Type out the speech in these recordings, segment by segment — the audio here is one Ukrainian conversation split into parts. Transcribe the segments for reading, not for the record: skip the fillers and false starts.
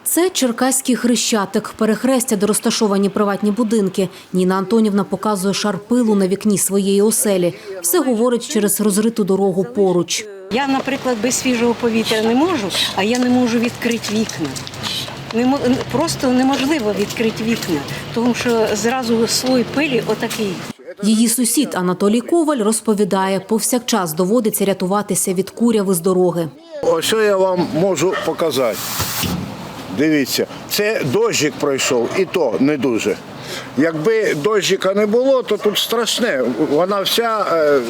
Це Черкаський Хрещатик, перехрестя, де розташовані приватні будинки. Ніна Антонівна показує шар пилу на вікні своєї оселі. Все говорить через розриту дорогу поруч. Я, наприклад, без свіжого повітря не можу, а я не можу відкрити вікна. Просто неможливо відкрити вікна, тому що зразу слой пилі отакий. Її сусід Анатолій Коваль розповідає, повсякчас доводиться рятуватися від куряви з дороги. Ось я вам можу показати. Дивіться, це дощик пройшов, і то не дуже. Якби дощика не було, то тут страшне, вона вся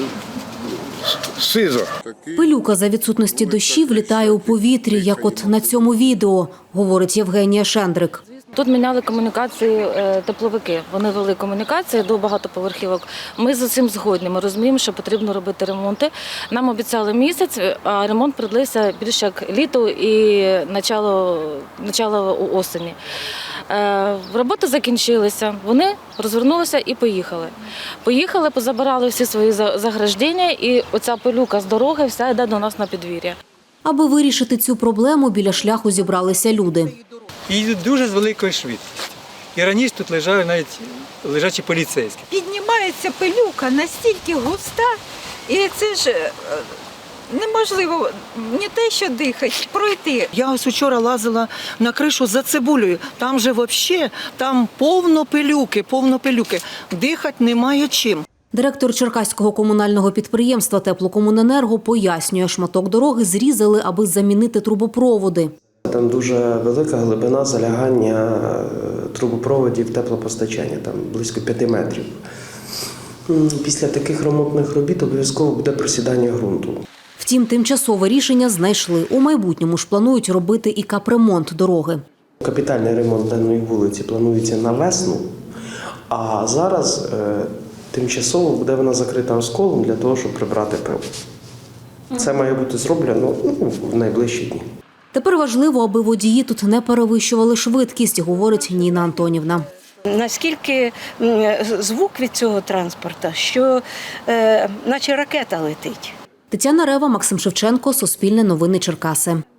сиза. Пилюка за відсутності дощів літає у повітрі, як от на цьому відео, говорить Євгенія Шендрик. Тут міняли комунікації тепловики. Вони вели комунікації до багатоповерхівок. Ми з цим згодні. Ми розуміємо, що потрібно робити ремонти. Нам обіцяли місяць, а ремонт придлився більше як літо і начало осені. Роботи закінчилися. Вони розвернулися і поїхали. Поїхали, позабирали всі свої заграждення, і оця пилюка з дороги вся йде до нас на підвір'я. Аби вирішити цю проблему, біля шляху зібралися люди. І йдуть дуже з великою швидкістю. І раніше тут лежали навіть лежачі поліцейські. Піднімається пилюка настільки густа, і це ж неможливо не те, що дихати, пройти. Я ось вчора лазила на кришу за цибулею. Там же взагалі, там повно пилюки. Дихати немає чим. Директор Черкаського комунального підприємства «Теплокомуненерго» пояснює, шматок дороги зрізали, аби замінити трубопроводи. Там дуже велика глибина залягання трубопроводів теплопостачання, там близько 5 метрів. Після таких ремонтних робіт обов'язково буде просідання ґрунту. Втім, тимчасове рішення знайшли. У майбутньому ж планують робити і капремонт дороги. Капітальний ремонт даної вулиці планується на весну, а зараз тимчасово буде вона закрита осколом для того, щоб прибрати пил. Це має бути зроблено в найближчі дні. Тепер важливо, аби водії тут не перевищували швидкість, говорить Ніна Антонівна. Наскільки звук від цього транспорту, що наче ракета летить. Тетяна Рева, Максим Шевченко, Суспільне новини Черкаси.